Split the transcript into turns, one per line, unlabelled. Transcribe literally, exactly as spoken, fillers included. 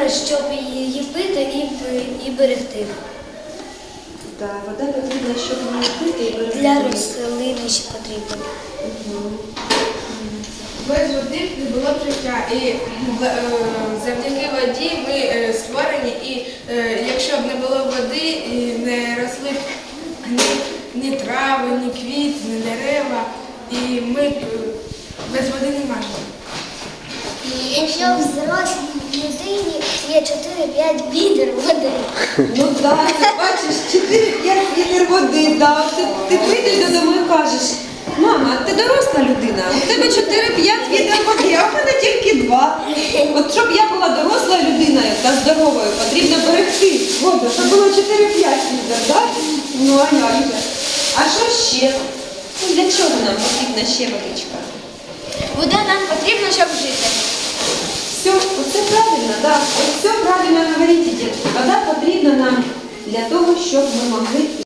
щоб її пити і, і берегти.
Так, вода потрібна, щоб її пити і берегти.
Для рослини ще потрібно.
Угу.
Без води не було б життя, і завдяки воді ми створені, і якщо б не було води, і не росли б ні, ні трави, ні квіти, ні дерева, і ми б без води не можемо.
Якщо в зрослій людині є чотири-п'ять відер води.
Ну так, ти бачиш, чотири-п'ять літр води, да. Ти, ти прийдеш додому і кажеш: мама, ти доросла людина, у тебе чотири-п'ять відер води, а в мене тільки два. От щоб я була дорослою людиною та здоровою, потрібно берегти воду, щоб було чотири-п'ять відер, так? Ну а як же? А що ще? Ну, для чого нам потрібна ще водичка?
Вода нам потрібна, щоб жити.
Все, оце правильно, так. Все правильно говорите, дітки. Вода потрібна нам для того, щоб ми могли